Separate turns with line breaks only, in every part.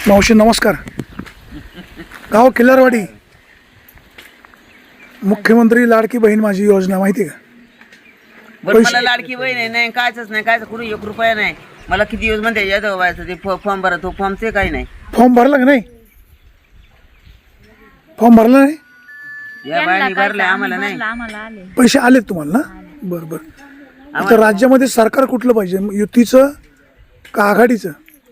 मावशी नमस्कार. गाव किल्लारवाडी. मुख्यमंत्री लाडकी बहीण माझी योजना माहिती आहे का?
बरं मला लाडकी बहीण आहे नाही कायच नाही काय कुणी 1 रुपया नाही. मला किती दिवस म्हणते यादव व्हायचं ते फॉर्म भरा तो फॉर्मचे काही नाही.
फॉर्म भरला का नाही? फॉर्म भरला नाही?
या बायांनी भरले आम्हाला नाही.
पैसे आलेत तुम्हाला ना? बरं बरं. आता राज्यामध्ये सरकार कुठलं पाहिजे, युतीचं का आघाडीचं?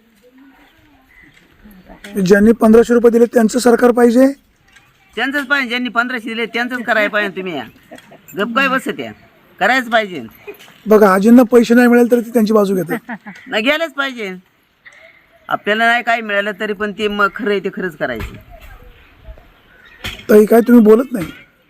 ज्यांनी 1500 रुपये दिले त्यांचं सरकार पाहिजे?
त्यांचंच पाहिजे. ज्यांनी 1500 दिले त्यांचंच करायला पाहिजे. तुम्ही या गप काय बसत या करायच पाहिजे.
बघा आजींना पैसे नाही मिळाले तरी ते त्यांची बाजू घेतात.
नाही गेलंच पाहिजे. आपल्याला नाही काय मिळालं तरी पण ते मग खरं आहे ते खरंच करायचं.
ताई काय तुम्ही बोलत नाही?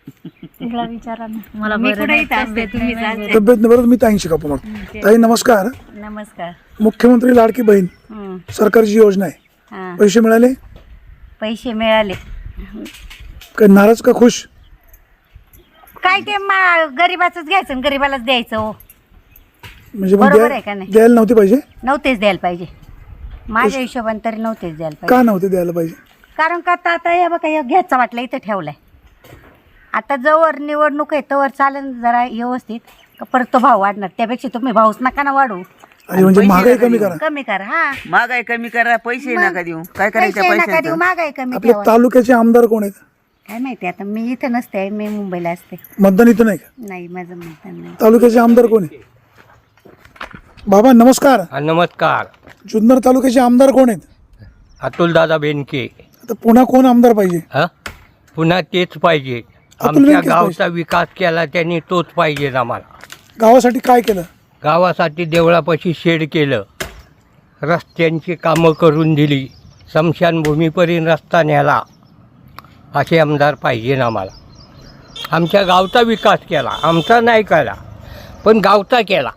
तब्येत नाही बरं, मी ताईंशी गप्पा मारतो. ताई नमस्कार.
नमस्कार.
मुख्यमंत्री लाडकी बहीण सरकारची योजना आहे, पैसे मिळाले?
पैसे मिळाले.
काय नाराज का खुश?
काय ते गरीबाचंच घ्यायचं आणि गरीबालाच द्यायचं. हो
म्हणजे
बरोबर आहे का नाही?
द्यायला नव्हते पाहिजे?
नव्हतेच द्यायला पाहिजे. माझ्या हिशोबाने तरी नव्हतेच द्यायला पाहिजे.
का नव्हते द्यायला पाहिजे?
कारण का आता हे बघा हे घ्यायचा वाटलं इथं ठेवलाय. आता जवळ निवडणूक आहे तवर चालेल जरा व्यवस्थित का परत तो भाव वाढणार. त्यापेक्षा तुम्ही भाऊच नका ना वाढू.
म्हणजे महागाई कमी करा.
कमी करा. हा
महागाई कमी करा. पैसे नका देऊ. काय करायचं
पैसे नका देऊ.
पैसे
महागाई कमी
आपल्या
ठेवा.
तालुक्याचे आमदार कोण आहेत?
काय माहिती आता मी इथं नसते. मी मुंबईला असते.
मतदान इथं नाही का?
नाही माझं मतदान नाही.
तालुक्याचे आमदार कोण आहे? बाबा नमस्कार.
नमस्कार.
जुन्नर तालुक्याचे आमदार कोण आहेत?
अतुलदादा बेनके.
आता पुन्हा कोण आमदार पाहिजे?
हा पुन्हा तेच पाहिजे.
अतुल
आमच्या
बेनकेच
गावचा विकास केला त्यांनी तोच पाहिजे आम्हाला.
गावासाठी काय केलं?
गावासाठी देवळापाशी शेड केलं, रस्त्यांची कामं करून दिली, स्मशानभूमीपर्यंत रस्ता नेला. असे आमदार पाहिजे आम्हाला. आमच्या गावचा विकास केला, आमचा नाही केला पण गावचा केला.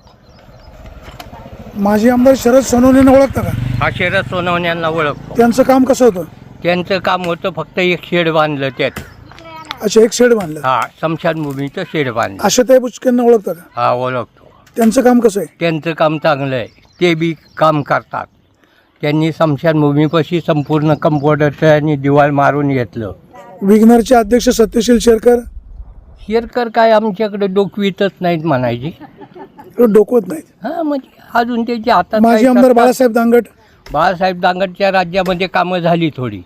माजी आमदार शरद सोनवणेंना ओळखता का?
हा शरद सोनवण्यांना ओळखतो.
त्यांचं काम कसं होतं?
त्यांचं काम होतं फक्त एक शेड बांधलं त्यात.
अच्छा, एक शेड बांधलं.
हा स्मशानभूमीचं शेड बांधलं.
आशाताई बुचकेंना ओळखता का?
हा ओळखतो.
त्यांचं काम कसं आहे?
त्यांचं काम चांगलं आहे. ते बी काम करतात. त्यांनी स्मशानभूमीपाशी संपूर्ण कंपाऊंडरचं आणि दिवाळ मारून घेतलं.
विग्नरचे अध्यक्ष सत्यशील
शेरकर काय आमच्याकडे डोकवीतच नाहीत म्हणायची.
डोकवत नाहीत.
हां म्हणजे अजून त्याच्या हातात
माजी
काही
आमदार
करतात.
बाळासाहेब दांगट.
बाळासाहेब दांगटच्या राज्यामध्ये कामं झाली थोडी.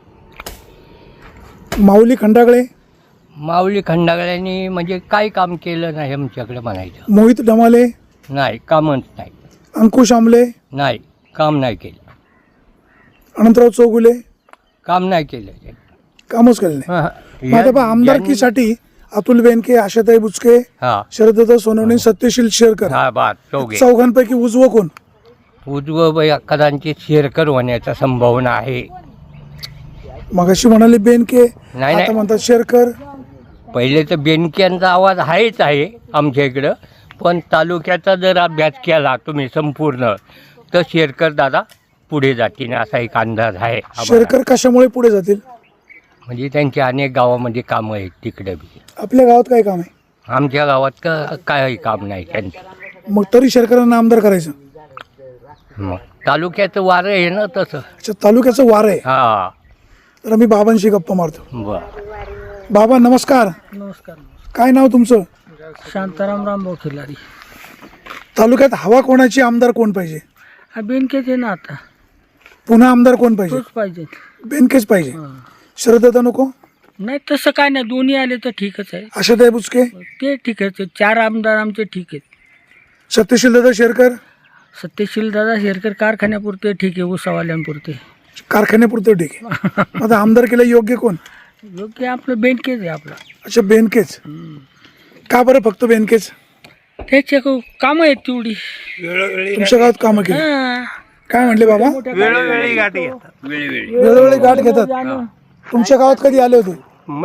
माऊली खंडागळे.
माऊली खंडागळ्यांनी म्हणजे काय काम केलं नाही आमच्याकडे म्हणायचं.
मोहित डमाले.
नाही कामच नाही.
अंकुश आमले.
नाही काम नाही केलं.
अनंतराव चौगुले.
काम नाही केलं त्यांनी.
कामच केलं नाही.
हां.
मग आता पहा, आमदारकीसाठी अतुल बेनके, आशाताई बुचके,
हां
शरदत्ता सोनवणे, सत्यशील शेरकर,
हा बात चौघे.
चौघांपैकी उजवं कोण?
उजवं कदाचित शेरकर होण्याचा संभावना आहे.
मगाशी म्हणाले बेनके,
नाही.
आता म्हणतात शेरकर.
पहिले तर बेनक्यांचा आवाज आहेच आहे आमच्या इकडं, पण तालुक्याचा जर अभ्यास केला तुम्ही संपूर्ण तर शेरकर दादा पुढे जातील असा एक अंदाज आहे आम्हाला.
शेरकर कशामुळे पुढे जातील?
म्हणजे त्यांची अनेक गावामध्ये कामं आहेत तिकडे बी.
आपल्या गावात काय काम आहे?
आमच्या गावात काही काम नाही त्यांचं.
मग तरी शेरकरांना आमदार करायचं?
मग तालुक्याचं वारं आहे ना तसं.
अच्छा, तालुक्याचं वार आहे.
हां
तर मी बाबांशी गप्पा मारतो.
बरं.
बाबा नमस्कार.
नमस्कार.
काय नाव तुमचं?
शांताराम रामभाऊ खिलारी.
तालुक्यात हवा कोणाची, आमदार कोण पाहिजे?
हा बेनकेच आहे ना आता.
पुन्हा आमदार कोण पाहिजे?
तोच पाहिजे.
बेनकेच पाहिजे.
हा.
शरदत्ता नको?
नाही तसं काय नाही. दोन्ही आले तर ठीकच आहे.
आशाताई बुचके?
ते ठीक आहे. 4 आमदार आमचे ठीक आहेत.
सत्यशील दादा शेरकर?
सत्यशील दादा शेरकर कारखान्यापुरते ठीक आहे. उसावाल्यांपुरते.
कारखान्यापुरतं ठीक आहे. आता आमदार केलं योग्य कोण?
योग्य आपलं बेनकेच आहे आपला.
अच्छा, बेनकेच. का बरं फक्त बेनकेच?
त्याचे कामं आहेत तेवढी.
तुमच्या गावात कामं केली?
हा.
काय म्हणले बाबा?
वेळोवेळी गाठी येतात.
वेळोवेळी गाठ घेतात. तुमच्या गावात कधी आले होते?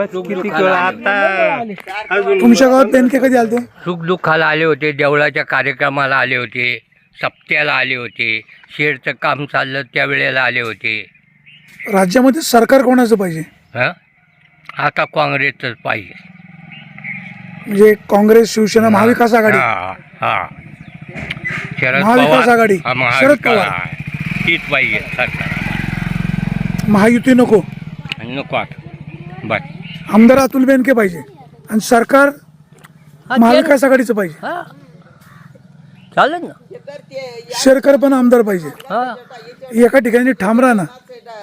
तुमच्या गावात बेनके कधी आले होते?
सुखदुःखाला आले होते, देवळाच्या कार्यक्रमाला आले होते, सप्त्याला आले होते, शेडचं काम चाललं त्यावेळेला आले होते.
राज्यामध्ये सरकार कोणाचं पाहिजे?
हां आता काँग्रेसच पाहिजे.
म्हणजे काँग्रेस, शिवसेना, महाविकास आघाडी?
हां हां शरद
महाविकास
पवार.
आघाडी.
हां,
शरद
महाविकास
पवार.
आहे. तीच पाहिजे सरकार.
महायुती नको,
नको आता बस.
आमदार अतुल बेनके पाहिजे आणि सरकार महाविकास आघाडीचं पाहिजे.
हां चालेल ना.
शेरकर पण आमदार पाहिजे.
हां
एका ठिकाणी ठाम राहा ना,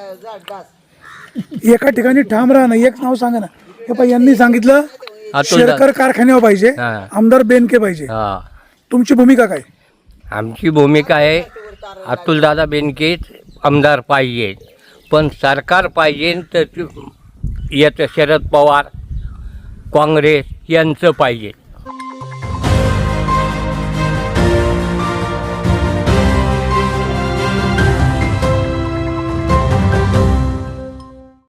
एका ठिकाणी ठाम राहा ना. एक नाव सांगा ना. हे पाहिजे यांनी सांगितलं शेरकर कारखान्यावर पाहिजे,
हां.
आमदार बेनके पाहिजे.
हां
तुमची भूमिका काय?
आमची भूमिका आहे अतुलदादा बेनके आमदार पाहिजे, पण सरकार पाहिजे तर याचं शरद पवार काँग्रेस यांचं पाहिजे.